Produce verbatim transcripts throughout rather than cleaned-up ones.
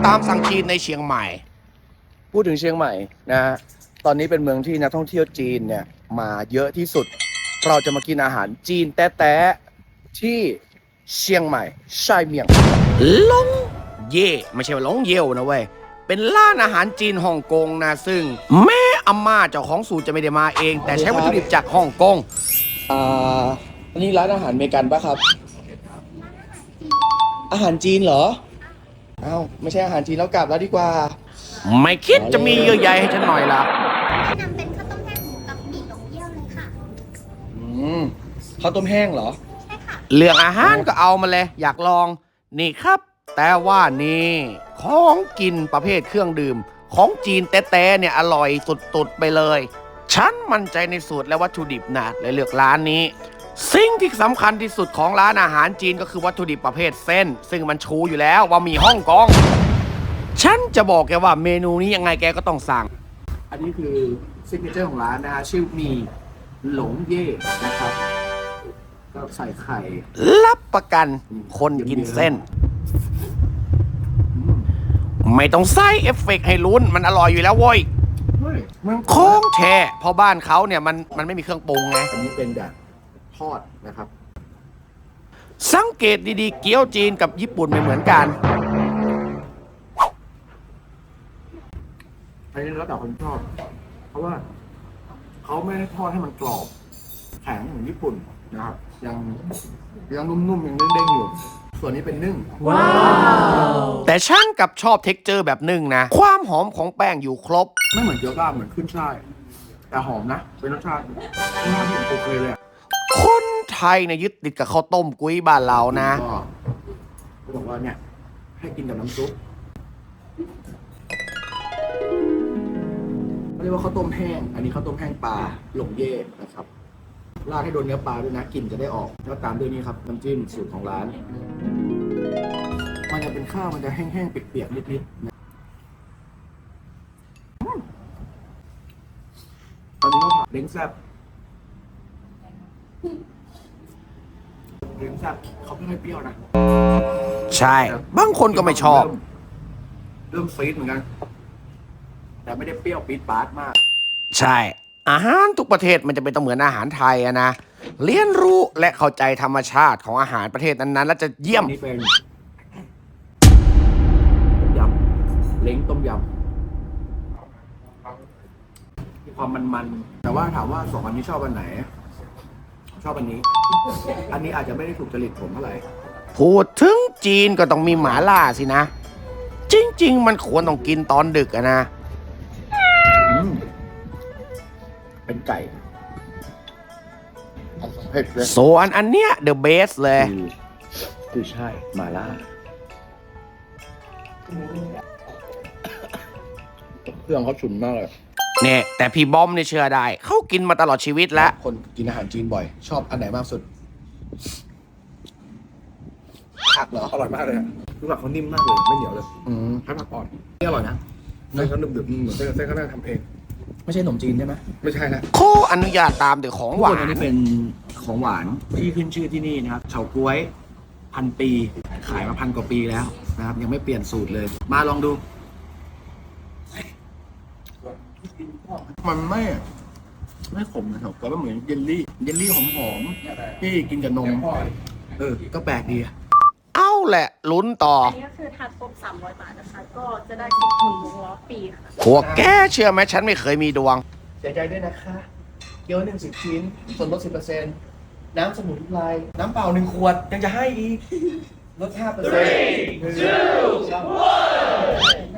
ตามสั่งจีนในเชียงใหม่พูดถึงเชียงใหม่นะฮะตอนนี้เป็นเมืองที่นักท่องเที่ยวจีนเนี่ยมาเยอะที่สุดเราจะมากินอาหารจีนแต๊ะๆที่เชียงใหม่ไช่เมียงหลงเย่ไม่ใช่ว่าหลงเย่วนะเว้ยเป็นร้านอาหารจีนฮ่องกงนะซึ่งแม่อาม่าเจ้าของสูตรจะไม่ได้มาเอง แต่ใช้วัตถุดิบจากฮ่องกงอ่าอันนี้ร้านอาหารเมกันปะครับอาหารจีนเหรออ้าวไม่ใช่อาหารจีนแล้วกลับแล้วดีกว่าไม่คิดจะมีเยื่อใยให้ฉันหน่อยล่ะแนะนำเป็นข้าวต้มแห้งหมูกับหมี่หลงเยี่ยวเลยค่ะอืมข้าวต้มแห้งเหรอใช่ค่ะเรื่องอาหารก็เอามาเลยอยากลองนี่ครับแต่ว่านี่ของกินประเภทเครื่องดื่มของจีนแต้ๆเนี่ยอร่อยสุดๆไปเลยฉันมั่นใจในสูตรและวัตถุดิบนะเลยเลือกร้านนี้สิ่งที่สำคัญที่สุดของร้านอาหารจีนก็คือวัตถุดิบประเภทเส้นซึ่งมันชูอยู่แล้วว่ามีฮ่องกงฉันจะบอกแกว่าเมนูนี้ยังไงแกก็ต้องสั่งอันนี้คือซิกเนเจอร์ของร้านนะฮะชื่อมีหลงเย่นะครับก็ใส่ไข่รับประกันคนกินเส้นไม่ต้องใส่เอฟเฟกต์ให้ลุ้นมันอร่อยอยู่แล้วโว้ยโค้งแช่เพราะบ้านเขาเนี่ยมันมันไม่มีเครื่องปรุงไงอันนี้เป็นแบบทอดนะครับสังเกตดีๆเกี๊ยวจีนกับญี่ปุ่นไม่เหมือนกันอันนี้แล้วแต่คนชอบเพราะว่าเขาไม่ได้ทอดให้มันกรอบแข็งเหมือนญี่ปุ่นนะครับยังยังนุ่มๆยังเด้งๆอยู่ส่วนนี้เป็นนึ่งว้าวแต่ฉันกับชอบเท็กเจอร์แบบนึ่งนะความหอมของแป้งอยู่ครบไม่เหมือนเกี๊ยวซ่าเหมือนขึ้นช่ายแต่หอมนะเป็นรสชาติรสชาติที่โอเคเลยคนไทยเนี่ยยึดติดกับข้าวต้มกุ้ยบ้านเรานะก็บอกว่าเนี่ยให้กินกับน้ำซุปเขาเรียกว่าข้าวต้มแห้งอันนี้ข้าวต้มแห้งปลาหลงเย่นะครับราดให้โดนเนื้อปลาด้วยนะกลิ่นจะได้ออกแล้วตามด้วยนี่ครับน้ำจิ้มสูตรของร้านมันจะเป็นข้าวมันจะแห้งๆเปียกๆนิดๆตอนนี้ก็เล้งแซ่บเล้งแซ่บเขาไม่ค่อยเปรี้ยวนะใช่บางคนก็ไม่ชอบเริ่มฟีดเหมือนกันแต่ไม่ได้เปรี้ยวปี๊ดป๊าดมากใช่อาหารทุกประเทศมันจะเป็นต้องเหมือนอาหารไทยอะนะเรียนรู้และเข้าใจธรรมชาติของอาหารประเทศนั้นๆแล้วจะเยี่ยมนี่เป็นต้มยำเล้งต้มยำมีความมันๆแต่ว่าถามว่าสองอันนี้ชอบอันไหนชอบอันนี้อันนี้อาจจะไม่ได้ถูกจริตผมเท่าไหร่พูดถึงจีนก็ต้องมีหม่าล่าสินะจริงๆมันควรต้องกินตอนดึกอะนะเป็นไก่เผ็ดเลยส่วนอันเนี้ยเดอะเบสเลยคือใช่หม่าล่าเครื่องเขาฉุนมากเลยเนี่ยแต่พี่บอมเนี่ยเชื่อได้เขากินมาตลอดชีวิตแล้วคนกินอาหารจีนบ่อยชอบอันไหนมากสุดผักเหรออร่อยมากเลยคือผักเขานิ่มมากเลยไม่เหนียวเลยอืมให้ผักอ่อนนี่อร่อยนะเส้นเขาดึบๆเหมือนเส้นเส้นเขาน่าทำเองไม่ใช่ขนมจีนใช่ไหมไม่ใช่นะขออนุญาตตามแต่ของหวานอันนี้เป็นของหวานที่ขึ้นชื่อที่นี่นะครับเฉาก๊วยพันปีขายมาพันกว่าปีแล้วนะครับยังไม่เปลี่ยนสูตรเลยมาลองดูมันไม่ไม่ขมนะครับแต่ว่าเหมือนเยลลี่เยลลี่หอมๆที่กินกับนมเออก็แปลกดีเอาแหละลุ้นต่ออันนี้ก็คือทานครบสามร้อยบาทนะคะก็จะได้สิบหนึ่งวงล้อปีค่ะพวกแกเชื่อไหมฉันไม่เคยมีดวงเสียใจด้วยนะคะเกี๊ยวหนึ่งสิบชิ้นส่วนลดสิบเปอร์เซ็นต์น้ำสมุนไพรน้ำเปล่าหนึ่งขวดยังจะให้อีกลดห้าเปอร์เซ็นต์ three two one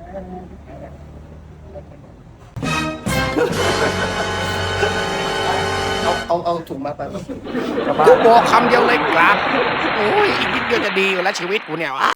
เอาเอาเอาถุงมาไปกูบอกคำเดียวเลยกลับโอ้ยอีกนิดเดียวจะดีอยู่แล้วชีวิตกูเนี่ยวะ